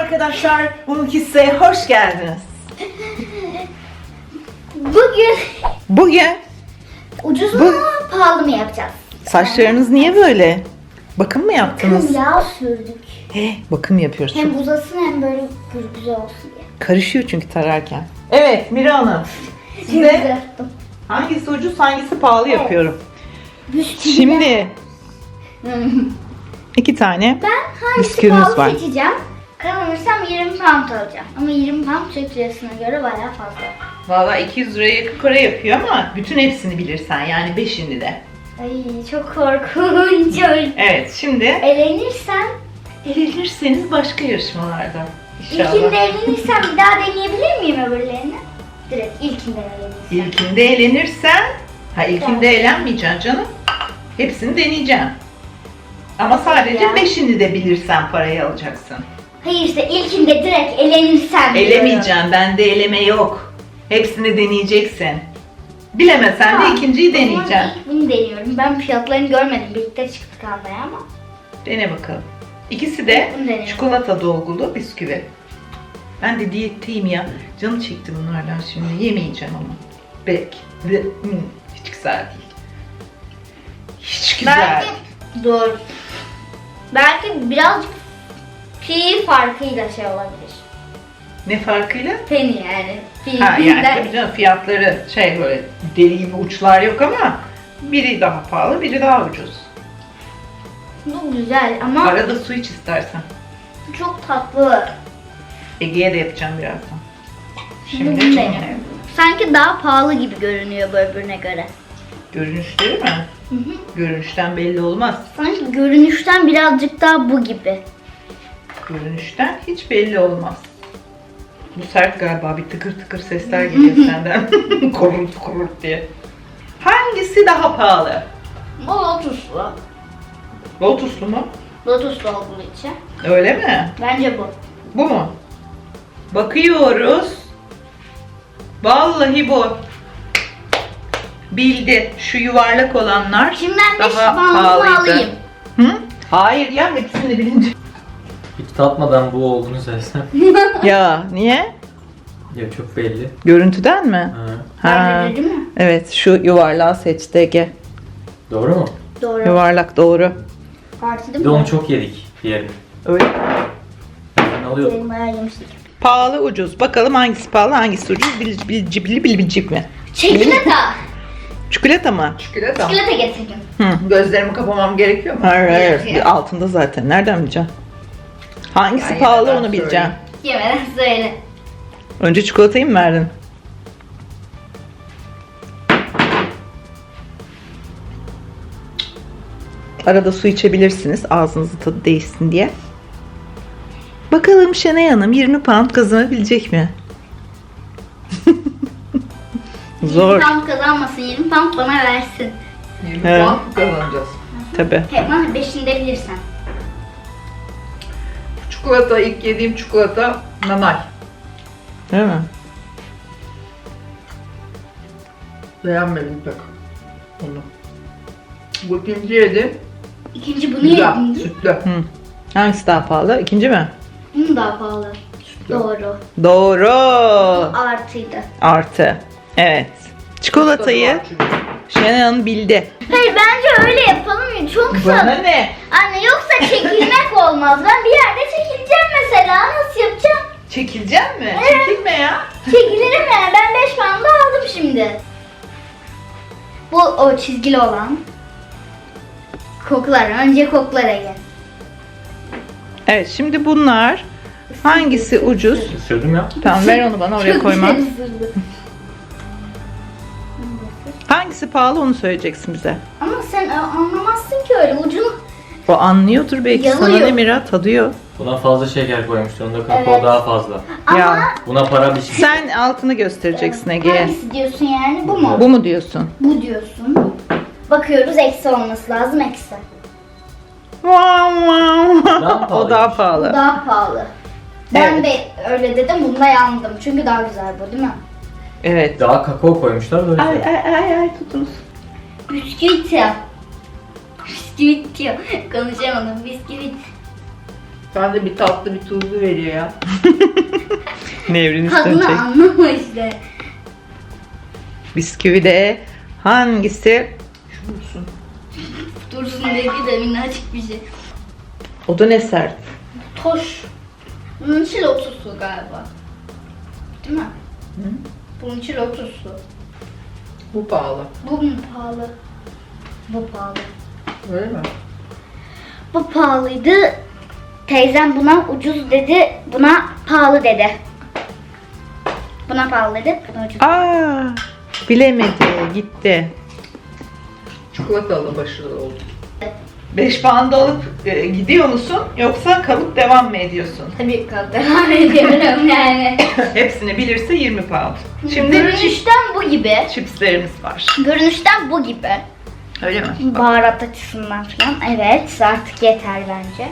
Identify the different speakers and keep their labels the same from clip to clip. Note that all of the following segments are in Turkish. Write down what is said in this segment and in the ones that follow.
Speaker 1: arkadaşlar, Mumkisse'ye hoş geldiniz. Bugün
Speaker 2: ucuz mu pahalı mı yapacağız?
Speaker 1: saçlarınız niye böyle? Bakım mı yaptınız?
Speaker 2: Bakım yağ sürdük.
Speaker 1: Bakım yapıyoruz.
Speaker 2: Hem uzasın hem böyle güzel olsun diye.
Speaker 1: Karışıyor çünkü tararken. Evet Mira Hanım.
Speaker 2: Güzel
Speaker 1: Size
Speaker 2: yaptım.
Speaker 1: hangisi ucuz hangisi pahalı
Speaker 2: Evet.
Speaker 1: yapıyorum.
Speaker 2: Bisküvi.
Speaker 1: Şimdi 2 tane
Speaker 2: Ben hangisi
Speaker 1: bisküvimiz
Speaker 2: pahalı
Speaker 1: var.
Speaker 2: seçeceğim. Kazanırsam 20 pound alacağım. Ama 20 pound Türk lirasına göre bayağı fazla.
Speaker 1: Valla 200 liraya yakın para yapıyor ama bütün hepsini bilirsen yani 5'ini de.
Speaker 2: Ay çok korkunç.
Speaker 1: Evet şimdi
Speaker 2: Elenirsem,
Speaker 1: elenirseniz başka yarışmalarda inşallah.
Speaker 2: ilkinde elenirsem bir daha deneyebilir miyim öbürlerini? Direkt ilkinden elenirsem.
Speaker 1: İlkinde elenirsen, ilkinde elenmeyeceksin canım. Hepsini deneyeceksin. Ama sadece
Speaker 2: Ya.
Speaker 1: 5'ini de bilirsen parayı alacaksın.
Speaker 2: Hayır işte ilkinde direkt elenirsem diyorum.
Speaker 1: Elemeyeceksin, bende eleme yok. Hepsini deneyeceksin. Bilemesen de
Speaker 2: Tamam.
Speaker 1: ikinciyi
Speaker 2: O zaman
Speaker 1: deneyeceksin.
Speaker 2: ilk bunu deniyorum. Ben fiyatlarını görmedim. Birlikte çıktık almaya ama.
Speaker 1: Dene bakalım. İkisi de
Speaker 2: Bunu deneyelim.
Speaker 1: çikolata dolgulu bisküvi. Ben de diyetteyim ya. Canım çekti bunlardan şimdi. Yemeyeceğim ama. Belki. Hiç güzel değil. Hiç güzel.
Speaker 2: Belki doğru. Belki birazcık pi farkıyla şey olabilir.
Speaker 1: Ne farkıyla?
Speaker 2: Penny yani. Pi
Speaker 1: Ha yani
Speaker 2: bizden-
Speaker 1: tabii canım fiyatları böyle deli gibi uçlar yok ama biri daha pahalı, biri daha ucuz.
Speaker 2: Bu güzel ama
Speaker 1: Arada su iç istersen.
Speaker 2: çok tatlı.
Speaker 1: Ege'ye de yapacağım birazdan.
Speaker 2: Şimdi bunu deniyorum. Sanki daha pahalı gibi görünüyor bu öbürüne göre.
Speaker 1: Görünüşleri mi?
Speaker 2: Hı hı.
Speaker 1: Görünüşten belli olmaz.
Speaker 2: Sanki görünüşten birazcık daha bu gibi.
Speaker 1: Görünüşten hiç belli olmaz. Bu sert galiba, bir tıkır tıkır sesler geliyor senden. Korult korult diye. Hangisi daha pahalı?
Speaker 2: O lotuslu.
Speaker 1: Lotuslu mu?
Speaker 2: Lotuslu olduğu için.
Speaker 1: Öyle mi?
Speaker 2: Bence bu.
Speaker 1: Bu mu? Bakıyoruz. Vallahi bu. Bildi. Şu yuvarlak olanlar
Speaker 2: Şimdi ben 5
Speaker 1: daha
Speaker 2: pound'umu
Speaker 1: pahalıydı.
Speaker 2: alayım.
Speaker 1: Hı? Hayır ya, hepsini bilince.
Speaker 3: Hiç tatmadan bu olduğunu söylesem.
Speaker 1: Ya niye?
Speaker 3: Ya çok belli.
Speaker 1: Görüntüden mi?
Speaker 3: Ha.
Speaker 2: Bence de değil mi?
Speaker 1: Evet, şu yuvarlağı seçti Ege.
Speaker 3: Doğru mu?
Speaker 2: Doğru.
Speaker 1: Yuvarlak doğru.
Speaker 2: Parti
Speaker 3: Bir
Speaker 2: değil
Speaker 3: de
Speaker 2: mi?
Speaker 3: onu çok yedik diğerini.
Speaker 1: Öyle.
Speaker 3: Ben alıyorum.
Speaker 2: Benim bayağı yemiştik.
Speaker 1: Pahalı ucuz. Bakalım hangisi pahalı hangisi ucuz bilecek mi?
Speaker 2: Çikolata.
Speaker 1: Çikolata mı? Çikolata.
Speaker 2: Çikolata getirdim.
Speaker 1: Gözlerimi kapamam gerekiyor mu? Hayır
Speaker 2: Gerekiyor.
Speaker 1: hayır. Altında zaten. Nereden bileceksin? Hangisi
Speaker 3: Ben
Speaker 1: pahalı
Speaker 3: yemeden
Speaker 1: onu bileceksin.
Speaker 2: Yemeden söyle.
Speaker 1: Önce çikolatayı mı verdin? Arada su içebilirsiniz ağzınızın tadı değişsin diye. Bakalım Şenay Hanım 20 pound kazanabilecek mi? Zor.
Speaker 2: 20 pound kazanmasın, 20 pound bana versin.
Speaker 1: 20
Speaker 4: Evet. Puan kazanacağız.
Speaker 1: Tabii.
Speaker 2: Hemen 5'ini de bilirsen.
Speaker 4: Çikolata, ilk yediğim çikolata nanay.
Speaker 1: Değil mi?
Speaker 4: Beğenmedim pek onu. Bu ikinci yedim.
Speaker 2: İkinci bunu
Speaker 4: Güzel,
Speaker 2: yedin.
Speaker 4: sütlü.
Speaker 1: Hı. Hangisi daha pahalı? İkinci mi?
Speaker 2: Bunu daha pahalı.
Speaker 4: Sütlü.
Speaker 2: Doğru.
Speaker 1: Doğru.
Speaker 2: Artıydı.
Speaker 1: Artı. Evet. Çikolatayı
Speaker 4: Tadı var çünkü.
Speaker 1: Şenay Hanım bildi.
Speaker 2: Hayır bence öyle yapalım ya. Çok
Speaker 1: Bana
Speaker 2: sağ.
Speaker 1: ne?
Speaker 2: Anne yoksa çekilmek olmaz. Ben bir yerde çekileceğim mesela. Nasıl yapacağım?
Speaker 1: Çekilecek mi? Çekilme ya.
Speaker 2: Çekilirim yani. Ben 5 pound'u aldım şimdi. Bu o çizgili olan. Koklar. Önce koklara gel.
Speaker 1: Evet şimdi bunlar hangisi ucuz?
Speaker 3: Isırdım ya.
Speaker 1: Tamam ver onu bana oraya
Speaker 2: Çok
Speaker 1: koyma.
Speaker 2: güzel ısırdı.
Speaker 1: Hangisi pahalı onu söyleyeceksin bize.
Speaker 2: Ama sen anlamazsın ki öyle ucunu.
Speaker 1: O anlıyordur belki sana
Speaker 2: Yanıyor.
Speaker 1: ne Mira tadıyor.
Speaker 3: Buna fazla şeker koymuşlar. Onda kakao
Speaker 2: Evet.
Speaker 3: daha fazla.
Speaker 2: Ama
Speaker 1: Ya
Speaker 3: Buna para biçmiş.
Speaker 1: sen altını göstereceksin Ege'ye.
Speaker 2: hangisi diyorsun yani? Bu mu?
Speaker 1: Bu mu diyorsun?
Speaker 2: Bu diyorsun. Bakıyoruz eksi olması lazım eksi.
Speaker 1: Wow, wow.
Speaker 3: Daha
Speaker 1: O daha
Speaker 2: Bu
Speaker 1: pahalı.
Speaker 2: daha pahalı. Ben
Speaker 1: Evet.
Speaker 2: de öyle dedim. Bunda yandım. Çünkü daha güzel bu değil mi?
Speaker 1: Evet.
Speaker 3: Daha kakao koymuşlar da o
Speaker 1: Ay
Speaker 3: yüzden.
Speaker 1: ay tutunuz.
Speaker 2: Bisküvit ya. Bisküvit diyor. Konuşamadım. Bisküvit.
Speaker 4: Ben de bir tatlı bir tuzlu veriyor ya.
Speaker 1: Nevrin
Speaker 2: Tadını anlama işte.
Speaker 1: Bisküvide hangisi?
Speaker 4: Şurası.
Speaker 2: Dursun dedi de minnacık bir şey.
Speaker 1: O da ne sert?
Speaker 2: Toş. Bunun içi lotuslu galiba. Değil mi?
Speaker 4: Hı?
Speaker 2: Bunun içi lotuslu.
Speaker 4: Bu pahalı.
Speaker 2: Bu mu pahalı? Bu pahalı.
Speaker 4: Öyle mi?
Speaker 2: Bu pahalıydı. Teyzem buna ucuz dedi, buna pahalı dedi. Buna pahalı dedi, buna ucuz.
Speaker 1: Aa, bilemedi, gitti.
Speaker 4: Çikolatalı başarılı oldu.
Speaker 1: 5 puan da alıp gidiyor musun yoksa kalıp devam mı ediyorsun?
Speaker 2: Tabii ki devam ediyorum yani.
Speaker 1: Hepsini bilirse 20 puan. Şimdi
Speaker 2: Görünüşten bu gibi.
Speaker 1: chipslerimiz var.
Speaker 2: Görünüşten bu gibi.
Speaker 1: Öyle mi?
Speaker 2: Baharat açısından falan. Evet, artık yeter bence.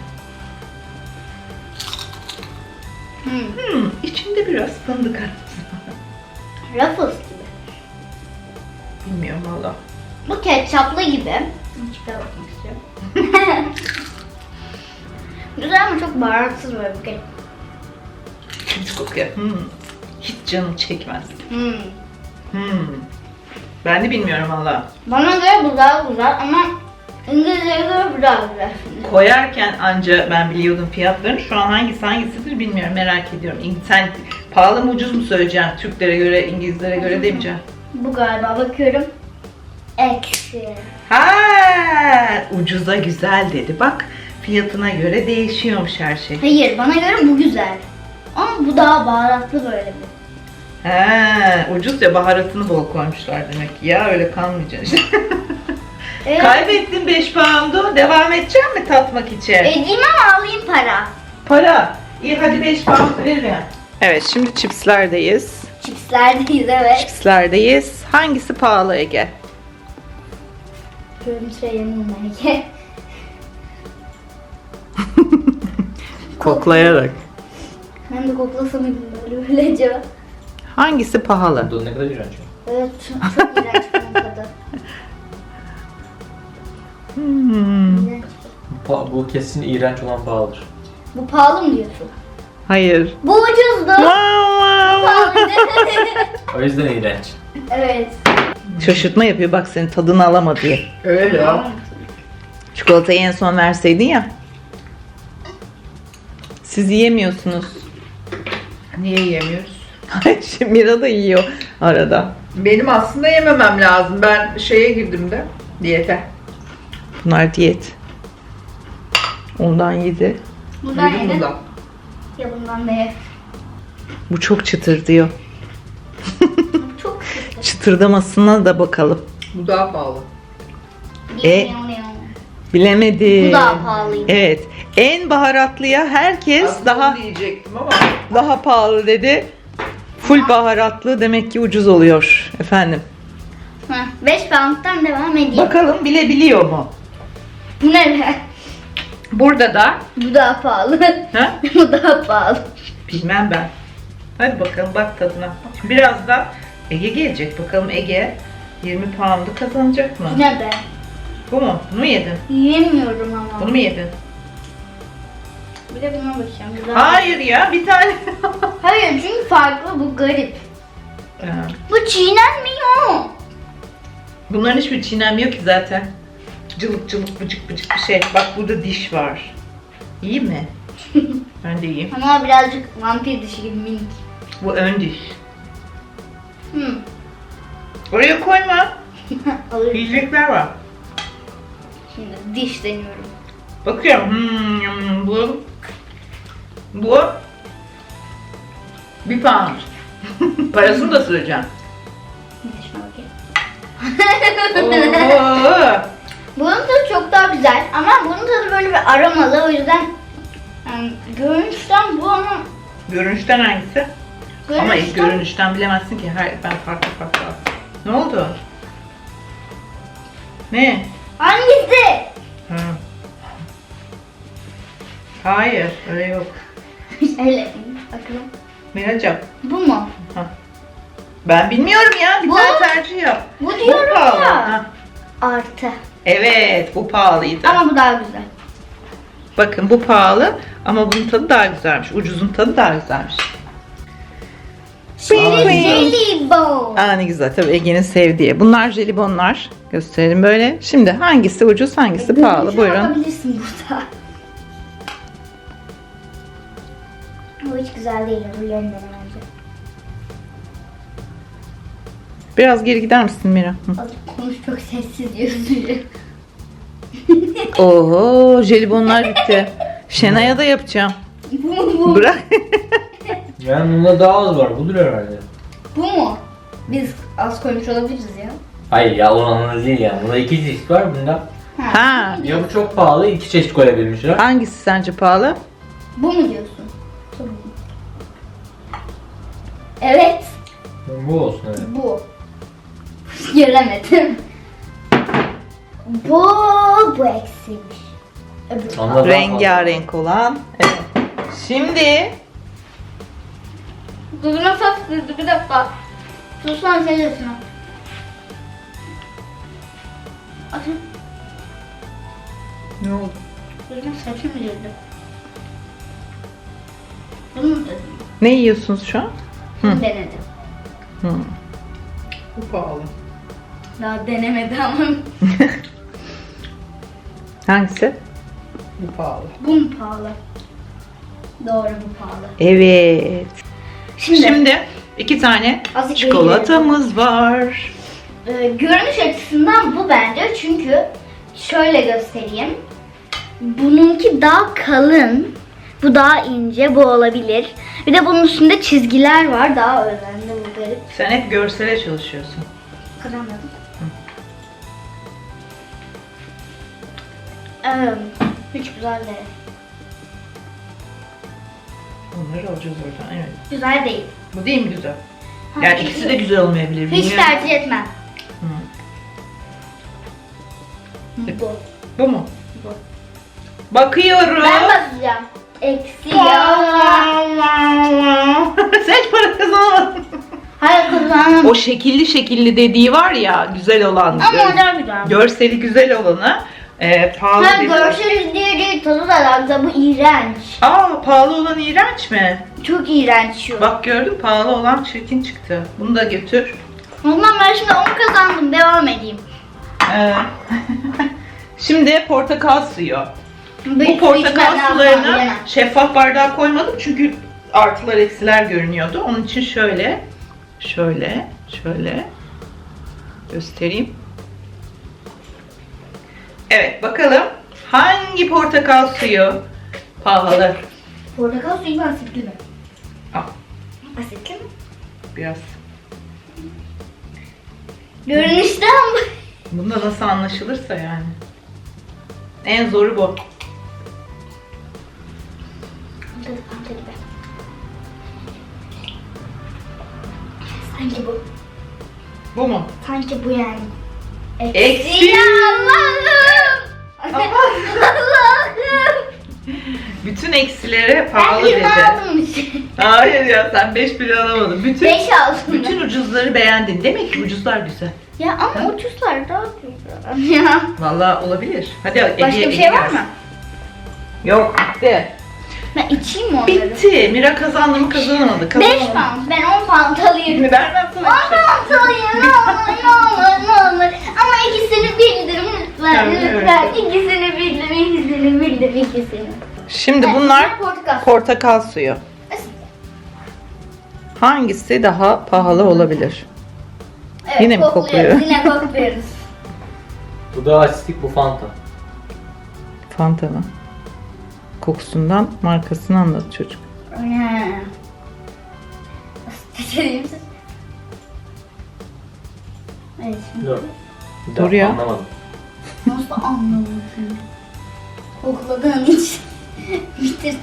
Speaker 1: İçinde biraz fındık arası.
Speaker 2: Ruffles gibi.
Speaker 1: Bilmiyorum valla.
Speaker 2: Bu ketçaplı gibi. Çıkar bakmak istiyorum. Güzel ama çok baharatsız böyle bir ketçap.
Speaker 1: Hiç kokuyor. Hiç canım çekmez.
Speaker 2: Hmm.
Speaker 1: Ben de bilmiyorum valla.
Speaker 2: Bana göre bu daha güzel ama İngilizce'ye göre bu daha güzel.
Speaker 1: Koyarken anca ben biliyordum fiyatlarını. Şu an hangisidir bilmiyorum. Merak ediyorum. Sen pahalı mı ucuz mu söyleyeceksin? Türklere göre, İngilizlere göre demeyeceksin.
Speaker 2: Bu galiba bakıyorum. Eksi.
Speaker 1: Ha, ucuza güzel dedi. Bak fiyatına göre değişiyormuş her şey.
Speaker 2: Hayır, bana göre bu güzel. Ama bu daha baharatlı böyle bir.
Speaker 1: Ha, ucuz ya baharatını bol koymuşlar demek ki. Ya öyle kalmayacaksın işte.
Speaker 2: Evet.
Speaker 1: Kaybettin 5 pound'u. Devam edecek mi tatmak için?
Speaker 2: Edeyim ama alayım para.
Speaker 1: Para. İyi hadi 5 pound veririm. Evet şimdi chipslerdeyiz.
Speaker 2: Chipslerdeyiz evet.
Speaker 1: Chipslerdeyiz. Hangisi pahalı Ege?
Speaker 2: Görüntüye yanayım belki.
Speaker 1: Koklayarak.
Speaker 2: Ben de koklasam böyle acaba.
Speaker 1: Hangisi pahalı?
Speaker 3: Bu ne kadar iğrenç.
Speaker 2: Evet, çok iğrenç bunun tadı. İğrenç.
Speaker 3: Bu kesin iğrenç olan pahalıdır.
Speaker 2: Bu pahalı mı diyorsun?
Speaker 1: Hayır.
Speaker 2: Bu ucuzdu. Pahalıydı.
Speaker 3: O yüzden iğrenç.
Speaker 2: Evet.
Speaker 1: Şaşırtma yapıyor bak senin tadını alama diye.
Speaker 4: Öyle ya.
Speaker 1: Çikolatayı en son verseydin ya. Siz yiyemiyorsunuz.
Speaker 4: Niye yiyemiyoruz?
Speaker 1: Şimdi Mira da yiyor arada.
Speaker 4: Benim aslında yememem lazım. Ben şeye girdim de diyete.
Speaker 1: Bunlar diyet. Ondan yedi.
Speaker 2: Bundan
Speaker 4: Yedim
Speaker 2: yedin.
Speaker 4: bundan.
Speaker 2: Ya bundan da ye.
Speaker 1: Bu çok çıtır diyor.
Speaker 2: Çok kötü.
Speaker 1: Çıtırdamasına da bakalım.
Speaker 4: Bu daha pahalı.
Speaker 1: Bilemedi.
Speaker 2: Bu daha pahalıydı.
Speaker 1: Evet. En baharatlıya herkes
Speaker 4: Aslında
Speaker 1: daha
Speaker 4: onu diyecektim ama
Speaker 1: daha pahalı dedi. Full baharatlı demek ki ucuz oluyor efendim.
Speaker 2: 5 pound'dan devam edeyim.
Speaker 1: Bakalım bilebiliyor mu?
Speaker 2: Bu ne be?
Speaker 1: Burada da
Speaker 2: Bu daha pahalı.
Speaker 1: ha?
Speaker 2: Bu daha pahalı.
Speaker 1: Bilmem ben. Hadi bakalım bak tadına. Biraz da Ege gelecek. Bakalım Ege 20 pound'u kazanacak mı?
Speaker 2: Bu ne be?
Speaker 1: Bu mu? Bunu mu yedin?
Speaker 2: Yiyemiyorum ama.
Speaker 1: Bunu mu yedin?
Speaker 2: Bir de buna bakacağım. Bu daha-
Speaker 1: Hayır ya bir tane.
Speaker 2: Hayır çünkü farklı, bu garip.
Speaker 1: Ha.
Speaker 2: Bu çiğnenmiyor.
Speaker 1: Bunların hiçbir çiğnenmiyor ki zaten. Cılık cılık bıcık bıcık bir şey. Bak burada diş var. İyi mi? Ben de iyiyim.
Speaker 2: Ama birazcık vampir dişi gibi minik.
Speaker 1: Bu ön diş.
Speaker 2: Hmm.
Speaker 1: Oraya koyma.
Speaker 2: Alırım.
Speaker 1: Yiyecekler var.
Speaker 2: Şimdi diş deniyorum.
Speaker 1: Bakıyorum. Bu 1 pound. Parasını da söyleyeceğim.
Speaker 2: Dişime bakayım.
Speaker 1: Oo.
Speaker 2: Bunun tadı çok daha güzel ama bunun tadı böyle bir aromalı, o yüzden görünüşten bu ama
Speaker 1: Görünüşten hangisi? Ama ilk
Speaker 2: görünüşten
Speaker 1: görünüşten bilemezsin ki. Ben farklı. Ne oldu? Ne?
Speaker 2: hangisi?
Speaker 1: Ha. Hayır, öyle yok.
Speaker 2: Öyle bakalım.
Speaker 1: Miracığım,
Speaker 2: Bu mu?
Speaker 1: ben bilmiyorum ya. Bir
Speaker 2: Bu-
Speaker 1: tane tercih yap.
Speaker 2: Bu diyorum
Speaker 1: pahalı.
Speaker 2: ya.
Speaker 1: Ha.
Speaker 2: Artı.
Speaker 1: Evet, bu pahalıydı.
Speaker 2: Ama bu daha güzel.
Speaker 1: Bakın bu pahalı ama bunun tadı daha güzelmiş. Ucuzun tadı daha güzelmiş.
Speaker 2: Jelibon.
Speaker 1: Aa ne güzel. Tabii Ege'nin sevdiği. Bunlar jelibonlar. Gösterelim böyle. Şimdi hangisi ucuz hangisi pahalı?
Speaker 2: Görünüşe
Speaker 1: Buyurun.
Speaker 2: bakabilirsin burada. Bu hiç güzel değil. Öbürlerinden bence.
Speaker 1: Biraz geri gider misin Mira? Hı.
Speaker 2: Azıcık konuş, çok sessiz diyorsun.
Speaker 1: Oho jelibonlar bitti. Şenay'a da yapacağım.
Speaker 2: Bu mu bu?
Speaker 1: Bırak.
Speaker 3: Yani bunda daha az var. Budur herhalde.
Speaker 2: Bu mu? Biz az koymuş olabiliriz ya.
Speaker 3: Hayır ya oranla değil yani. Bunda 2 çeşit var. Bunda
Speaker 1: Ha.
Speaker 3: ya bu çok pahalı. 2 çeşit koyabilmişler.
Speaker 1: Hangisi sence pahalı?
Speaker 2: Bu mu diyorsun? Tamam. Evet.
Speaker 3: Bu olsun evet.
Speaker 2: Bu. Göremedim. Bu eksiymiş. Öbür.
Speaker 3: Onda daha
Speaker 1: Rengarenk olan. Evet. Şimdi
Speaker 2: Gözüme saf girdi bir dakika. Suslan sen de şuna. Atın.
Speaker 1: ne oldu?
Speaker 2: Gözüme saçım girdi. Bunu mu dedim?
Speaker 1: Ne yiyorsunuz şu an?
Speaker 2: Bunu denedim.
Speaker 1: Hı.
Speaker 4: Bu pahalı.
Speaker 2: Daha denemedi ama.
Speaker 1: Hangisi?
Speaker 4: Bu pahalı.
Speaker 2: Bu mu pahalı? Doğru, bu pahalı.
Speaker 1: Evet.
Speaker 2: Şimdi,
Speaker 1: Şimdi 2 tane
Speaker 2: Azıcık
Speaker 1: çikolatamız var.
Speaker 2: görünüş açısından bu bence, çünkü şöyle göstereyim. Bununki daha kalın, bu daha ince, bu olabilir. Bir de bunun üstünde çizgiler var, daha özenli, bu garip.
Speaker 1: Sen hep görsele çalışıyorsun.
Speaker 2: Kıramadım. Hiç güzel değil.
Speaker 1: Onları alacağız oradan. Evet.
Speaker 2: Güzel değil.
Speaker 1: Bu değil mi güzel?
Speaker 2: Ha,
Speaker 1: Yani
Speaker 2: hiç-
Speaker 1: ikisi de güzel olmayabilir.
Speaker 2: Hiç
Speaker 1: bilmiyorum.
Speaker 2: tercih etmem.
Speaker 1: Hı.
Speaker 2: Bu.
Speaker 1: Bu mu?
Speaker 2: Bu.
Speaker 1: Bakıyorum.
Speaker 2: Ben basacağım. Eksi ya.
Speaker 1: Sen hiç para kazanamadın.
Speaker 2: Hayır kızım.
Speaker 1: O şekilli şekilli dediği var ya güzel olan.
Speaker 2: Ama o da güzel.
Speaker 1: Görseli güzel olanı pahalı
Speaker 2: Ha,
Speaker 1: dedi.
Speaker 2: görsel diye değil, tadı da daha güzel. Bu iğrenç.
Speaker 1: Aa pahalı olan iğrenç mi?
Speaker 2: Çok iğrenç şu.
Speaker 1: Bak gördün pahalı olan çirkin çıktı. Bunu da götür.
Speaker 2: Ondan ben şimdi 10 kazandım. Devam edeyim.
Speaker 1: Şimdi portakal suyu. Bu
Speaker 2: Bir su
Speaker 1: portakal
Speaker 2: içmem lazım,
Speaker 1: sularını
Speaker 2: bilemem.
Speaker 1: şeffaf bardağa koymadım çünkü artılar eksiler görünüyordu. Onun için şöyle göstereyim. Evet bakalım hangi portakal suyu pahalı?
Speaker 2: Portakal suyu mu, asitli mi?
Speaker 1: Al
Speaker 2: Asitli mi?
Speaker 1: biraz.
Speaker 2: Görünüşten ama.
Speaker 1: Bunda nasıl anlaşılırsa yani. En zoru bu.
Speaker 2: Tadı Fanta gibi. Sanki bu.
Speaker 1: Bu mu?
Speaker 2: Sanki bu yani.
Speaker 1: Eksi.
Speaker 2: Ya Allah'ım. Allah'ım.
Speaker 1: Bütün eksilere
Speaker 2: Ben
Speaker 1: pahalı
Speaker 2: 20
Speaker 1: dedi.
Speaker 2: aldım.
Speaker 1: Hayır ya sen 5 bile alamadın.
Speaker 2: 5 aldım.
Speaker 1: Bütün ucuzları beğendin. Demek ki ucuzlar güzel.
Speaker 2: Ya ama ucuzlar daha güzel. Ya.
Speaker 1: Vallahi olabilir. Hadi
Speaker 2: Başka
Speaker 1: Ege'ye
Speaker 2: bir şey var
Speaker 1: gelsin.
Speaker 2: mı?
Speaker 1: Yok bitti.
Speaker 2: Ben içeyim mi onları?
Speaker 1: Bitti. Mira kazandı mı kazanamadı.
Speaker 2: 5
Speaker 1: Kazanamadı.
Speaker 2: pound. Ben 10 pound alayım.
Speaker 1: Vermem
Speaker 2: 10
Speaker 1: sana bir şey.
Speaker 2: pound alayım. Ne olur ne olur ne olur. Ama ikisini bildirim lütfen.
Speaker 1: Tamam,
Speaker 2: Lütfen.
Speaker 1: evet.
Speaker 2: İkisini bildirim. İkisini bildirim. İkisini.
Speaker 1: Şimdi
Speaker 2: Evet,
Speaker 1: bunlar
Speaker 2: portakal.
Speaker 1: portakal suyu. Hangisi daha pahalı olabilir?
Speaker 2: Evet,
Speaker 1: Yine mi
Speaker 2: kokluyoruz,
Speaker 1: kokluyor?
Speaker 2: Yine kokluyoruz.
Speaker 3: Bu da asitlik, bu Fanta.
Speaker 1: Fanta mı? Kokusundan markasını anladı çocuk.
Speaker 2: Seçeyim siz. Evet şimdi.
Speaker 3: Dur. Bir
Speaker 1: Dur
Speaker 3: dakika,
Speaker 1: ya.
Speaker 3: Anlamadım.
Speaker 2: Nasıl anlamadın? Kokladığın için bitirdi.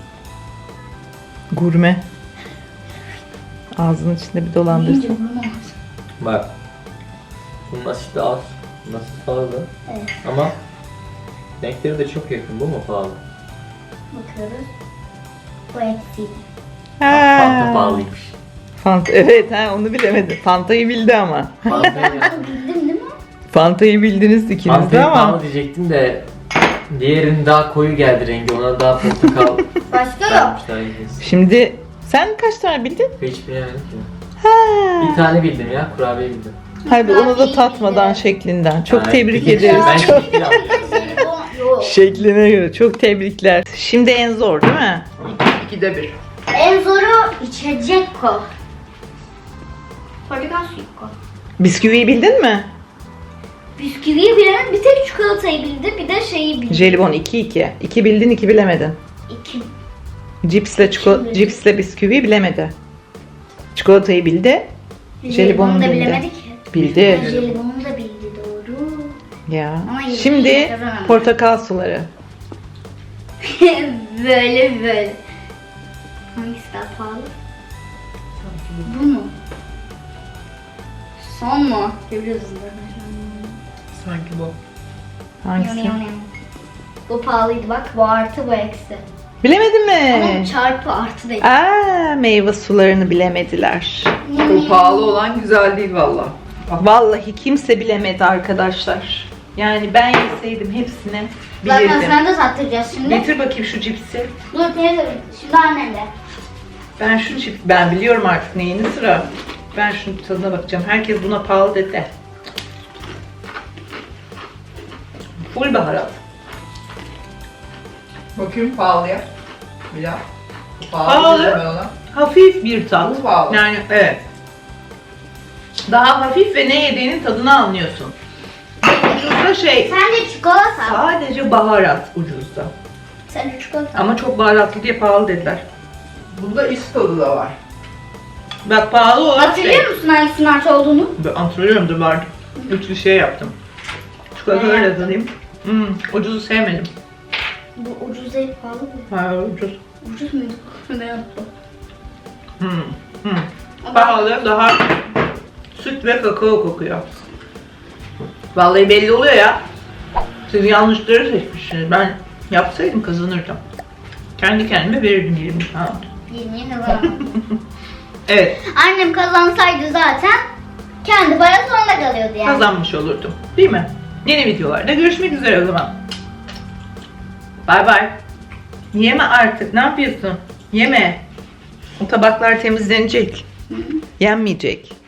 Speaker 1: Gurme. Ağzının içinde bir
Speaker 2: Yiyince
Speaker 1: dolandırsın.
Speaker 2: burnum ağrıyor.
Speaker 3: Bak. Bunun asiti az. Bunun asiti fazla.
Speaker 2: Evet,
Speaker 3: Ama renkleri de çok yakın. Bu mu pahalı?
Speaker 2: bakıyoruz. Bu eksi.
Speaker 3: Fanta pahalıymış.
Speaker 1: Fanta evet ha onu bilemedi. Fanta'yı bildi ama.
Speaker 3: Fanta'yı
Speaker 2: Bildim değil mi?
Speaker 1: Fanta'yı bildiniz ikiniz de
Speaker 3: Fanta'yı
Speaker 1: ama.
Speaker 3: pahalı diyecektim de Diğerinin daha koyu geldi rengi. Ona daha portakal
Speaker 2: Başka yok.
Speaker 3: vermişler yiyeceğiz.
Speaker 1: Şimdi sen kaç tane bildin?
Speaker 3: Hiç bilemedim ki.
Speaker 1: Ha.
Speaker 3: Bir tane bildim ya. Kurabiye bildim.
Speaker 1: Hayır onu da tatmadan şeklinden. Çok
Speaker 3: Yani
Speaker 1: tebrik
Speaker 3: bir-
Speaker 1: ederiz.
Speaker 3: Ben
Speaker 1: Çok
Speaker 3: şekil aldım.
Speaker 2: Yok.
Speaker 1: şekline göre çok tebrikler. Şimdi en zor değil mi?
Speaker 4: 2'de 1.
Speaker 2: En zoru içecek ko. Portakal suyu ko.
Speaker 1: Bisküviyi bildin mi?
Speaker 2: Bisküviyi bilen bir tek çikolatayı bildi, bir de şeyi bildi.
Speaker 1: Jelibon 2-2. 2 bildin 2 bilemedin.
Speaker 2: İki.
Speaker 1: Cipsle cipsle bisküviyi bilemedi. Çikolatayı bildi. Jelibonu
Speaker 2: da
Speaker 1: bildi.
Speaker 2: bilemedi ki.
Speaker 1: Bildi.
Speaker 2: Jelibonu da bildi doğru.
Speaker 1: Ya.
Speaker 2: Ama yine
Speaker 1: Şimdi
Speaker 2: kazanamadı.
Speaker 1: portakal suları.
Speaker 2: böyle. Hangisi daha pahalı? Bu mu? Son mu? Görüyoruz
Speaker 4: Sanki bu.
Speaker 1: Hangisi?
Speaker 2: Bu pahalıydı bak. Bu artı bu eksi.
Speaker 1: Bilemedin
Speaker 2: Ama
Speaker 1: mi?
Speaker 2: çarpı artı değil.
Speaker 1: Aa, meyve sularını bilemediler.
Speaker 4: O pahalı olan güzel değil valla.
Speaker 1: Vallahi kimse bilemedi arkadaşlar. Yani ben yeseydim hepsini
Speaker 2: Zaten
Speaker 1: bilirdim.
Speaker 2: sen de sattıracağız şimdi.
Speaker 1: Getir bakayım şu cipsi.
Speaker 2: Dur teyze. Şimdi annem de.
Speaker 1: Ben şu cips, ben biliyorum artık neyini sıra. Ben şunun tadına bakacağım. Herkes buna pahalı dedi. Full baharat.
Speaker 4: Bakayım pahalıya. Bilal.
Speaker 1: Pahalı.
Speaker 4: Pahalı deme ona.
Speaker 1: Hafif bir tat.
Speaker 4: Bu pahalı.
Speaker 1: Yani evet. Daha hafif ve ne yediğinin tadını anlıyorsun. Ucuzda şey,
Speaker 2: Sen de çikolata.
Speaker 1: sadece baharat ucuzda.
Speaker 2: Sen de çikolata.
Speaker 1: Ama çok baharatlı diye pahalı dediler.
Speaker 4: Bunda is tadı da var.
Speaker 1: Bak pahalı olan
Speaker 2: Hatırlıyor musun hangisinin artı olduğunu?
Speaker 1: Ben hatırlıyorum da vardı. Üçlü şey yaptım. Çikolata
Speaker 2: Ne
Speaker 1: öyle
Speaker 2: yaptın?
Speaker 1: tadayım. Ucuzu sevmedim.
Speaker 2: Bu ucuz değil pahalı mı?
Speaker 1: Hayır ucuz.
Speaker 2: Ucuz muydu? Ben unuttum.
Speaker 1: Pahalı, daha süt ve kakao kokuyor. Vallahi belli oluyor ya. Siz yanlışları seçmişsiniz. Ben yapsaydım kazanırdım. Kendi kendime verirdim 20 pound.
Speaker 2: Yemeğe kazanamadım.
Speaker 1: Evet,
Speaker 2: Annem kazansaydı zaten kendi parası onda kalıyordu yani.
Speaker 1: kazanmış olurdum. Değil mi? Yeni videolarda görüşmek üzere o zaman. Bay bay. Yeme artık. Ne yapıyorsun? Yeme. O tabaklar temizlenecek. Yenmeyecek.